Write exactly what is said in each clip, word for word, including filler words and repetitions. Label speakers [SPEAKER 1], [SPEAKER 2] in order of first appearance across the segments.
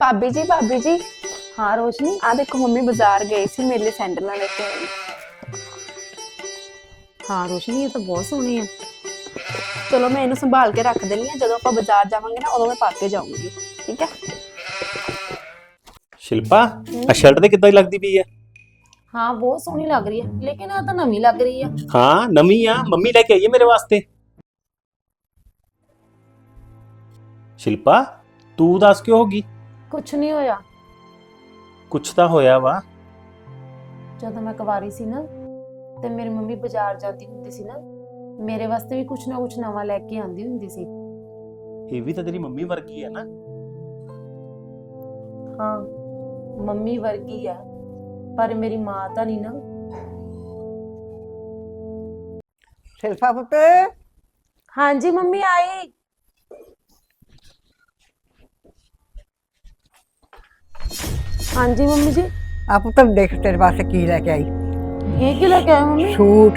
[SPEAKER 1] भाभी जी भाभी जी
[SPEAKER 2] हाँ रोशनी।
[SPEAKER 1] आ देखो मम्मी बाजार गए सी मेरे लिए सैंडल लेके आई।
[SPEAKER 2] हाँ रोशनी ये तो बहुत सोहनी है।
[SPEAKER 1] चलो मैं इन्हें संभाल के रख देनी है, जदों आप बाजार जावांगे ना उदों मैं पा के जाऊंगी। ठीक है।
[SPEAKER 3] शिल्पा आ शर्ट ਤੇ ਕਿੱਦਾਂ ਦੀ ਲੱਗਦੀ ਪਈ ਹੈ।
[SPEAKER 2] हाँ बहुत सोहनी लग रही है, लेकिन आ तो नवी लग रही है।
[SPEAKER 3] ਹਾਂ ਨਵੀਂ ਆ, ਮੰਮੀ ਲੈ ਕੇ ਆਈ ਹੈ ਮੇਰੇ ਵਾਸਤੇ। शिल्पा ਤੂੰ ਦੱਸ ਕਿਉਂ ਹੋਗੀ?
[SPEAKER 2] कुछ नहीं होया।
[SPEAKER 3] ਕੁਛ ਤਾਂ ਹੋਇਆ ਵਾ।
[SPEAKER 2] ਜਦੋਂ ਮੈਂ ਕੁਵਾਰੀ ਸੀ ਨਾ ਤੇ ਮੇਰੀ ਮੰਮੀ ਬਾਜ਼ਾਰ ਜਾਂਦੀ ਹੁੰਦੀ ਸੀ ਨਾ, ਮੇਰੇ ਵਾਸਤੇ ਵੀ ਕੁਛ ਨਾ ਕੁਛ ਨਵਾਂ ਲੈ ਕੇ ਆਂਦੀ ਹੁੰਦੀ ਸੀ।
[SPEAKER 3] ਇਹ ਵੀ ਤਾਂ ਤੇਰੀ ਮੰਮੀ ਵਰਗੀ ਹੈ ਨਾ।
[SPEAKER 2] ਹਾਂ ਮੰਮੀ ਵਰਗੀ ਆ, ਪਰ ਮੇਰੀ ਮਾਂ ਤਾਂ ਨਹੀਂ ਨਾ।
[SPEAKER 4] शिल्पा पुत
[SPEAKER 2] हाँ जी मम्मी आई। हाँ जी मम्मी जी।
[SPEAKER 4] आ पुत देख तेरे वास्ते की लेके आई।
[SPEAKER 2] ये क्या लेके आए मम्मी?
[SPEAKER 4] सूट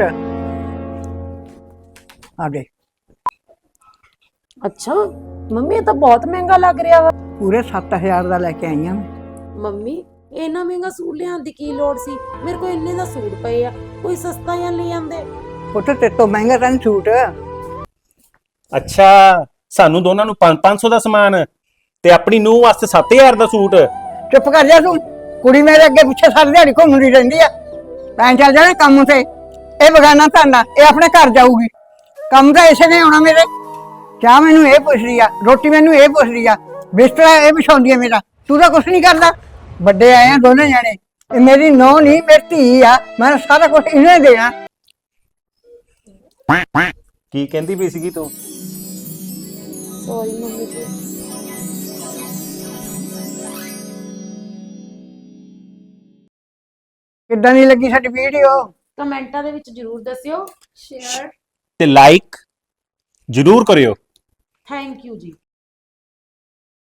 [SPEAKER 4] आ दे।
[SPEAKER 2] अच्छा मम्मी ये तो बहुत महंगा लग रहा वा।
[SPEAKER 4] पूरे सत्त हजार का लेके आई हाँ मैं।
[SPEAKER 2] ਮੰਮੀ ਇੰਨਾ ਮਹਿੰਗਾ ਸੂਟ ਲਿਆਉਣ ਦੀ ਕੀ ਲੋੜ ਸੀ? ਮੇਰੇ ਕੋਲ ਇੰਨੇ ਦਾ ਸੂਟ ਪਏ ਆ, ਕੋਈ ਸਸਤਾ ਜਾਂ ਲੈ ਆਂਦੇ।
[SPEAKER 4] पुत तेरे तो महंगा था सूट।
[SPEAKER 3] ਅੱਛਾ ਸਾਨੂੰ ਦੋਨਾਂ ਨੂੰ ਪੰਜ ਪੰਜ ਸੌ ਦਾ ਸਮਾਨ ਤੇ ਆਪਣੀ ਨੂੰਹ ਵਾਸਤੇ ਸੱਤ ਹਜ਼ਾਰ ਦਾ ਸੂਟ।
[SPEAKER 4] चुप कर जा तू, कुड़ी मेरे अगे पिछे सारी दिहाड़ी घूमती रहिंदी है। मैं चल जाना काम से, ये बगाना धंधा, ये अपने घर जाऊगी। काम तो इसे ने आना मेरे। चाह मैनू ये पुछ रही है, रोटी मैनू ये पुछ रही है, बिस्तरा ये बिछाउंदी है मेरा। तू तो कुछ नहीं करता। बड़े आए हैं दोनों जने, ये मेरी नौ नहीं मेरी धी आ, मैं सारा कुछ इन्हें देना।
[SPEAKER 3] ਕੀ ਕਹਿੰਦੀ ਪਈ ਸੀਗੀ ਤੂੰ?
[SPEAKER 2] ਸੌਰੀ ਮੰਮੀ ਜੀ।
[SPEAKER 4] किद्दां दी लगी साडी वीडियो?
[SPEAKER 2] ਕਮੈਂਟਾਂ ਦੇ ਵਿੱਚ ਜਰੂਰ ਦੱਸਿਓ।
[SPEAKER 1] शेयर
[SPEAKER 3] ਤੇ ਲਾਈਕ ਜ਼ਰੂਰ ਕਰਿਓ।
[SPEAKER 2] ਥੈਂਕ ਯੂ ਜੀ।